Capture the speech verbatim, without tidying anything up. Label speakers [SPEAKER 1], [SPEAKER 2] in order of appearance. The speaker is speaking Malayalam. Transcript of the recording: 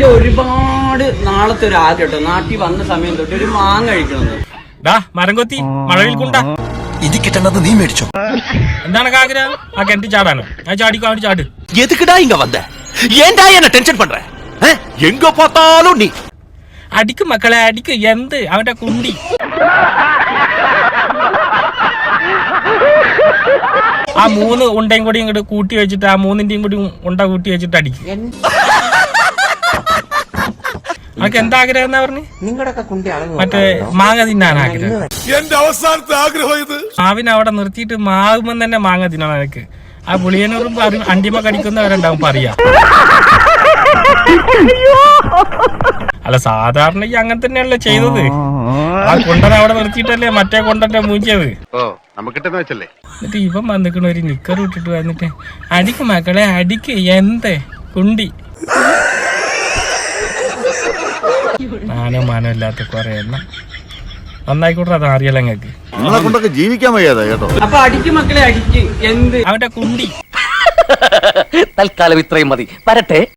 [SPEAKER 1] എന്റെ ഒരുപാട് നാളത്തെ ഒരു ആഗ്രഹം കേട്ടോ, നാട്ടിൽ വന്ന സമയം തൊട്ട് ഒരു മാങ്ങ കഴിക്കണമെന്ന്.
[SPEAKER 2] മരം കൊത്തി മഴവിൽ കൊണ്ടാ
[SPEAKER 3] ഇത് കിട്ടണത് നീ മേടിച്ചോ?
[SPEAKER 2] എന്താണ് ആഗ്രഹം? ആ കിണറ്റി ചാടാനോ? ആ ചാടിക്കോ, അവിടെ ചാട്.
[SPEAKER 3] എതുക്കിടാ ഇങ്ങ വന്ന ഏണ്ടാ എന്നെ ടെൻഷൻ പண்ற? എങ്ക பார்த்தாலும் നീ
[SPEAKER 2] അടിക്കും മക്കളെ, അടിക്കും. എന്ത് അവന്റെ കുണ്ടി ആ മൂന്ന് ഉണ്ടയും കൂടി ഇങ്ങോട്ട് കൂട്ടി വെച്ചിട്ട് ആ മൂന്നിന്റെയും കൂടി ഉണ്ട കൂട്ടി വെച്ചിട്ട് അടിക്കും. അവർക്ക് എന്താ ആഗ്രഹം എന്നാ പറഞ്ഞു? മറ്റേ മാങ്ങ തിന്നാൻ ആഗ്രഹം.
[SPEAKER 4] എന്റെ അവസാനത്തെ ആഗ്രഹം ഇത്.
[SPEAKER 2] മാവിനെ അവിടെ നിർത്തിയിട്ട് മാവുമ്പം തന്നെ മാങ്ങ തിന്നണം എനിക്ക്. ആ പുളിയനൂറും അണ്ടിമ കടിക്കുന്നവരുണ്ടാവും പറയാ. അല്ല, സാധാരണ ഈ അങ്ങനെ തന്നെയല്ലേ ചെയ്തത്. ആ കൊണ്ടനെ അവിടെ നിർത്തിയിട്ടല്ലേ മറ്റേ കൊണ്ടന്റെ മൂഞ്ചിയത്. എന്നിട്ട് ഇവൻ വന്നിക്കണ ഒരു നിക്കർ ഇട്ടിട്ട് വന്നിട്ട് അടിക്ക് മക്കളെ അടിക്ക്, എന്ത് കുണ്ടി. മാനോ മാനോ ഇല്ലാത്ത കൊറേ എണ്ണം. നന്നായിക്കോട്ടെ, അത് അറിയാലോ നിങ്ങൾക്ക്.
[SPEAKER 4] നിങ്ങളെ കൊണ്ടൊക്കെ ജീവിക്കാൻ വയ്യാതെ കേട്ടോ.
[SPEAKER 1] അപ്പൊ അടിക്ക് മക്കളെ അടിക്ക്, എന്ത്
[SPEAKER 2] അവന്റെ കുണ്ടി.
[SPEAKER 5] തൽക്കാലം ഇത്രയും മതി. വരട്ടെ.